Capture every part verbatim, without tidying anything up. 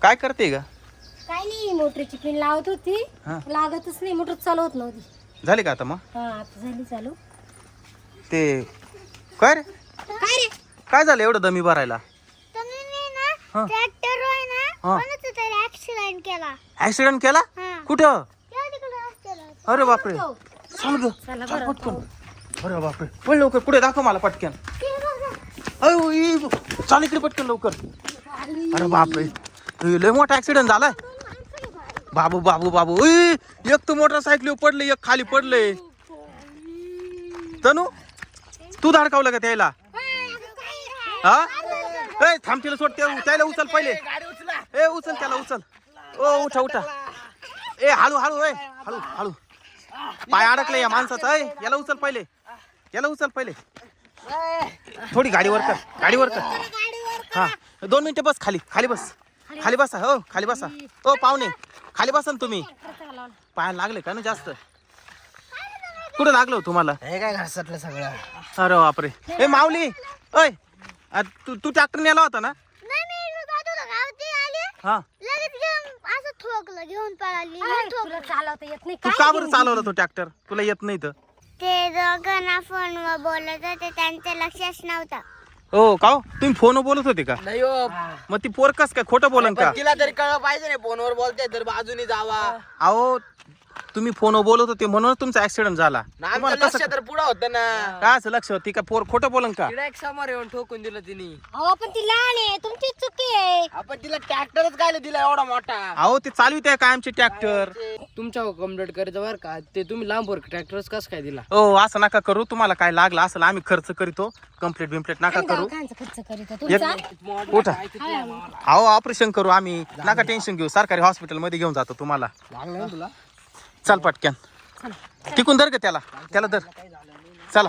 काय करते ग? काय नाही, मोटरची पिन लावत होती. हा. लागतच नाही, मोटर चालवत नव्हती. झाली का आता मग? हा आता झाली चालू. ते काय रे काय रे? काय झालं एवढं दमी भरायला? हा. ट्रॅक्टर आहे ना हा. कोणाचा तरी ऍक्सिडेंट केला. ऍक्सिडेंट केला? हा. कुठं? त्या तिकडे रस्त्याला. अरे बापरे, चल ग चला चल बरं. पटकन. अरे बापरे, पण लवकर पुढे दाखव मला पटकन. ते बघा. अयो ई, चाल इकडे पटकन लवकर. अरे बापरे, ए, लय मोठा ऍक्सिडेंट झालाय. बाबू बाबू बाबू ई, एक तर मोटरसायकल पडले, एक खाली पडले. तनू तू धडकावलं का त्याला? हा ए थांब, तिला सोड, त्या- त्याला उचल पहिले. ए उचल त्याला, उचल. ओ उठा उठा. ए हळू हळू ए हळू हळू. पाय अडकले या माणसाचा. ए याला उचल पहिले, याला उचल पहिले. थोडी गाडीवर कर, गाडीवर कर. हा दोन मिनिटं बस, खाली खाली बस, खाली बसा. हो खाली बसा. ओ पाहुणे खाली बसा ना तुम्ही. पायाला लागले का ना जास्त? कुठं लागलं हो तुम्हाला? हे काय घासटलं सगळं. अरे बापरे. ए माऊली, ओय आ, तू तू ट्रॅक्टर नेला होता ना? नाही मी जात होतो गावात आले हा. लगेच घेऊन असं ठोकलं, घेऊन पळाली. अरे, तुला चालवता येत नाही तू काय? का बरं चालवला तो ट्रॅक्टर? तुला येत नाही तर? ते दोघांना फोनवर बोलत होते, त्यांचं लक्षच नव्हतं. हो का हो? तुम्ही फोन बोलत होते का? नाही हो, मग ती पोर कस काय खोटं बोलन का? पण तिला तरी कळलं पाहिजे नाही, फोनवर बोलते तर बाजूनी जावा. अहो तुम्ही फोन बोलत होते म्हणून तुमचा ऍक्सिडेंट झाला. ना आमचं तुम्हाला लक्ष कसं तर पुढं होतं ना. काय असं लक्ष होती का? पोर खोटं बोलन का? तिला एक समोर येऊन ठोकून दिलं तिने. अहो पण ती लहान आहे, तुमची चुकी आहे. आपण तिला ट्रॅक्टरच काय दिला एवढा मोठा. अहो ते चालवित आहे काय आमचे ट्रॅक्टर? तुमच्या कंप्लीट करायचं बरं का, ते तुम्ही लांबवर ट्रॅक्टरच कसं काय दिला? हो असं नका करू. तुम्हाला काय लागलं असेल आम्ही खर्च करितो. कम्प्लीट बिम्प्लीट नका आणि करू. दवाखान्याचा खर्च करीत आहे एक तुमचा. उठा. अहो ऑपरेशन करू आम्ही, नका टेन्शन घेऊ. सरकारी हॉस्पिटल मध्ये घेऊन जातो तुम्हाला. लागलं ना तुला? चल पटक्यान टिकून धर ग त्याला, त्याला धर. चला.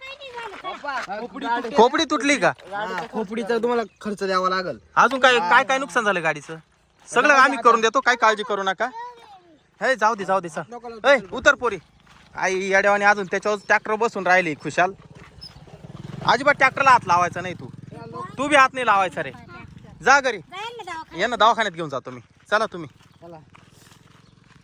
खोपडी तुटली का? हा, खोपडीचा तुम्हाला खर्च द्यावा लागल. अजून काय काय काय नुकसान झालं गाडीचं? सगळं आम्ही करून देतो, काय काळजी करू नका. हे जाऊ दे जाऊ दे चल. ए उतर पोरी. आई येड्यावानी अजून त्याच्यावर ट्रॅक्टर बसून राहिली खुशाल. अजिबात ट्रॅक्टरला हात लावायचा नाही. तू तू बी हात नाही लावायचा रे. जा घरी. जाईल ना दवाखान्यात. यांना दवाखान्यात घेऊन जातो मी. चला तुम्ही. चला.